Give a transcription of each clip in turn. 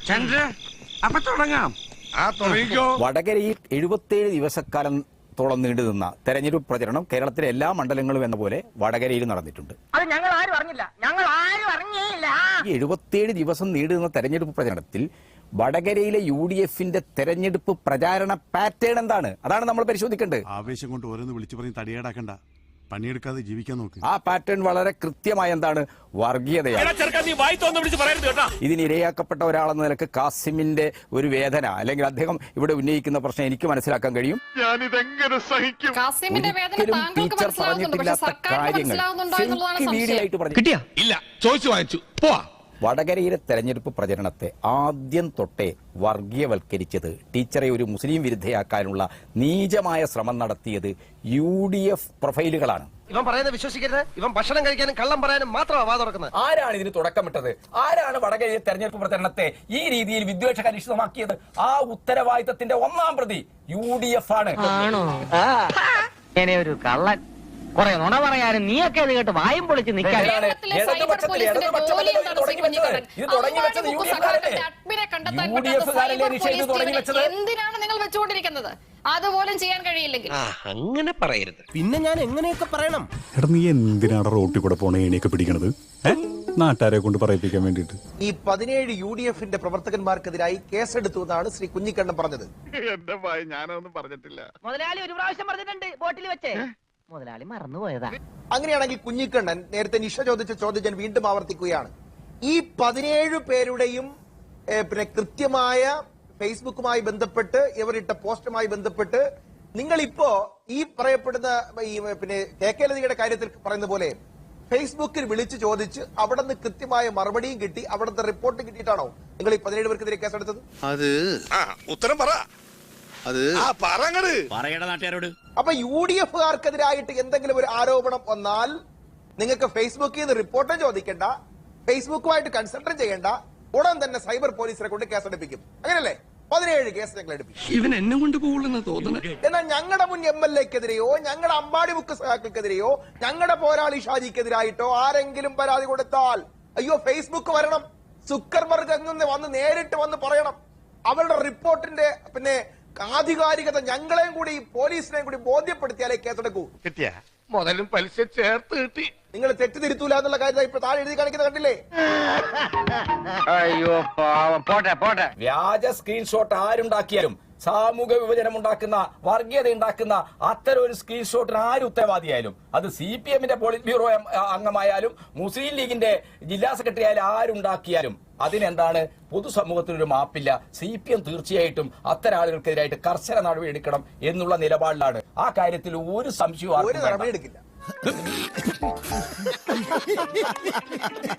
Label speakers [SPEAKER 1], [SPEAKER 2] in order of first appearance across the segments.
[SPEAKER 1] അപ്പൊ തുടങ്ങാം.
[SPEAKER 2] വടകരയിൽ 77 ദിവസക്കാലത്തോളം നീണ്ടുനിന്ന തെരഞ്ഞെടുപ്പ് പ്രചരണം കേരളത്തിലെ എല്ലാ മണ്ഡലങ്ങളും എന്ന പോലെ വടകരയിൽ നടന്നിട്ടുണ്ട്. ഈ 77 ദിവസം നീണ്ടുനിന്ന തെരഞ്ഞെടുപ്പ് പ്രചരണത്തിൽ വടകരയിലെ UDFന്റെ തെരഞ്ഞെടുപ്പ് പ്രചാരണ പാറ്റേൺ എന്താണ്? അതാണ് നമ്മൾ പരിശോധിക്കേണ്ടത്.
[SPEAKER 3] ആവേശം കൊണ്ട് ഓരോന്ന് വിളിച്ചു പറഞ്ഞ് തടിയേടാക്കണ്ട, പണിയെടുക്കാതെ ജീവിക്കാൻ നോക്ക്.
[SPEAKER 2] ആ പാറ്റേൺ വളരെ കൃത്യമായ എന്താണ്? വർഗീയതയാണ്. ഇതിനിരയാക്കപ്പെട്ട ഒരാളെന്ന നിലക്ക് കാസിമിന്റെ ഒരു വേദന അല്ലെങ്കിൽ അദ്ദേഹം ഇവിടെ ഉന്നയിക്കുന്ന പ്രശ്നം എനിക്ക് മനസ്സിലാക്കാൻ കഴിയും. ഒരിക്കലും ടീച്ചർ പറഞ്ഞിട്ടില്ലാത്ത കാര്യങ്ങൾ വീഡിയോയായിട്ട് പറഞ്ഞു
[SPEAKER 1] കിട്ടിയ ഇല്ല, ചോദിച്ചു വാങ്ങിച്ചു പോവാ.
[SPEAKER 2] വടകരയിലെ തെരഞ്ഞെടുപ്പ് പ്രചരണത്തെ ആദ്യം തൊട്ടേ വർഗീയവൽക്കരിച്ചത്, ടീച്ചറെ ഒരു മുസ്ലിം വിരുദ്ധയാക്കാനുള്ള നീചമായ ശ്രമം നടത്തിയത് UDF പ്രൊഫൈലുകളാണ്.
[SPEAKER 4] ഇവൻ പറയുന്നത് വിശ്വസിക്കരുത്. ഇവൻ ഭക്ഷണം കഴിക്കാനും കള്ളം പറയാനും മാത്രമാണ് വാ തുറക്കുന്നത്.
[SPEAKER 2] ആരാണ് ഇതിന് തുടക്കമിട്ടത്? ആരാണ് വടകരയിലെ തെരഞ്ഞെടുപ്പ് പ്രചരണത്തെ ഈ രീതിയിൽ വിദ്വേഷകലുഷിതമാക്കിയത്? ആ ഉത്തരവാദിത്തത്തിന്റെ ഒന്നാം പ്രതി UDF ആണ്.
[SPEAKER 5] ഒരു കള്ളൻ കുറെ നുണ പറയാനും നീയൊക്കെ അത് കേട്ട് വായും പൊളിച്ച് നിൽക്കാൻ.
[SPEAKER 6] എന്തിനാണ് നിങ്ങൾ വെച്ചുകൊണ്ടിരിക്കുന്നത്? അതുപോലും ചെയ്യാൻ കഴിയില്ലെങ്കിൽ
[SPEAKER 4] അങ്ങനെ പറയരുത്. പിന്നെ ഞാൻ എങ്ങനെയൊക്കെ പറയണം?
[SPEAKER 3] എടാ, നീ എന്തിനാണ് റോട്ടിൽ കൂടെ പോണ ഏണിയൊക്കെ പിടിക്കണത്? നാട്ടുകാരെ കൊണ്ട് പറയിപ്പിക്കാൻ വേണ്ടിട്ട്.
[SPEAKER 4] ഈ 17 UDFന്റെ പ്രവർത്തകന്മാർക്കെതിരായി കേസെടുത്തു എന്നാണ് ശ്രീ കുഞ്ഞിക്കണ്ണൻ പറഞ്ഞത്.
[SPEAKER 7] എന്റെ ഭയ, ഞാനൊന്നും പറഞ്ഞിട്ടില്ല.
[SPEAKER 5] മുതലാളി ഒരു പ്രാവശ്യം പറഞ്ഞിട്ടുണ്ട് ബോട്ടിൽ വെച്ചേ. മുതലാളി മറന്നുപോയതാ.
[SPEAKER 4] അങ്ങനെയാണെങ്കിൽ കുഞ്ഞിക്കണ്ണൻ നേരത്തെ നിഷ ചോദിച്ച ചോദ്യം ഞാൻ വീണ്ടും ആവർത്തിക്കുകയാണ്. ഈ 17 പേരുടെയും പിന്നെ കൃത്യമായ ഫേസ്ബുക്കുമായി ബന്ധപ്പെട്ട് ഇവരിട്ട പോസ്റ്റുമായി ബന്ധപ്പെട്ട് നിങ്ങൾ ഇപ്പോ ഈ പറയപ്പെടുന്ന പിന്നെ KK ലതികയുടെ കാര്യത്തിൽ പറയുന്ന പോലെ ഫേസ്ബുക്കിൽ വിളിച്ചു ചോദിച്ച് അവിടെ നിന്ന് കൃത്യമായ മറുപടിയും കിട്ടി, അവിടുത്തെ റിപ്പോർട്ട് കിട്ടിയിട്ടാണോ നിങ്ങൾ ഈ 17 പേർക്കെതിരെ കേസെടുത്തത്?
[SPEAKER 7] അത് ഉത്തരം പറ.
[SPEAKER 1] നാട്ടുകാരോട്
[SPEAKER 4] അപ്പൊ UDFകാർക്കെതിരായിട്ട് എന്തെങ്കിലും ഒരു ആരോപണം വന്നാൽ നിങ്ങൾക്ക് ഫേസ്ബുക്കിൽ നിന്ന് റിപ്പോർട്ടും ചോദിക്കേണ്ട, ഫേസ്ബുക്കുമായിട്ട് കൺസൾട്ട് ചെയ്യേണ്ട, ഉടൻ തന്നെ സൈബർ പോലീസിനെ കൊണ്ട് കേസെടുപ്പിക്കും. അങ്ങനല്ലേ? 17 കേസ് ഞങ്ങൾ എടുപ്പിക്കും.
[SPEAKER 1] ഇവൻ എന്നെ കൊണ്ട് പോകുന്ന തോന്നുന്നു.
[SPEAKER 4] എന്നാൽ ഞങ്ങളുടെ മുൻ MLAക്കെതിരെയോ ഞങ്ങളുടെ അമ്പാടി മുക്ക് സഹാക്കൾക്കെതിരെയോ ഞങ്ങളുടെ പോരാളി ഷാജിക്കെതിരായിട്ടോ ആരെങ്കിലും പരാതി കൊടുത്താൽ അയ്യോ ഫേസ്ബുക്ക് വരണം, സുക്കർബർഗ് അങ്ങനെ വന്ന് നേരിട്ട് വന്ന് പറയണം. അവരുടെ റിപ്പോർട്ടിന്റെ പിന്നെ ആധികാരികത ഞങ്ങളെയും കൂടി പോലീസിനെയും കൂടി ബോധ്യപ്പെടുത്തിയാലേ കേസെടുക്കൂ.
[SPEAKER 7] കിട്ടിയ മുതലും പലിശ ചേർത്ത് കിട്ടി.
[SPEAKER 4] നിങ്ങൾ തെറ്റിദ്ധരുത്തൂല എന്നുള്ള കാര്യം ഇപ്പൊ താഴെ എഴുതി കാണിക്കുന്നത് കണ്ടില്ലേ?
[SPEAKER 5] അയ്യോ പോട്ടെ.
[SPEAKER 2] വ്യാജ സ്ക്രീൻഷോട്ട് ആരുണ്ടാക്കിയാലും, സാമൂഹ്യ വിഭജനം ഉണ്ടാക്കുന്ന, വർഗീയത ഉണ്ടാക്കുന്ന അത്തരം ഒരു സ്ക്രീൻഷോട്ടിന് ആര് ഉത്തരവാദിയായാലും, അത് CPMന്റെ പോളിറ്റ് ബ്യൂറോ അംഗമായാലും മുസ്ലിം ലീഗിന്റെ ജില്ലാ സെക്രട്ടറി ആയാലും ആരുണ്ടാക്കിയാലും അതിനെന്താണ്? പൊതുസമൂഹത്തിനൊരു മാപ്പില്ല. CPM തീർച്ചയായിട്ടും അത്തരം ആളുകൾക്കെതിരായിട്ട് കർശന നടപടി എടുക്കണം എന്നുള്ള നിലപാടിലാണ്. ആ കാര്യത്തിൽ ഒരു സംശയവും
[SPEAKER 4] നടപടി എടുക്കില്ല.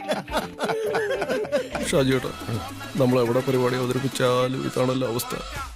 [SPEAKER 8] ഷാജിയേട്ടാ, നമ്മൾ എവിടെ പരിപാടി അവതരിപ്പിച്ചാലും ഇതാണല്ലോ അവസ്ഥ.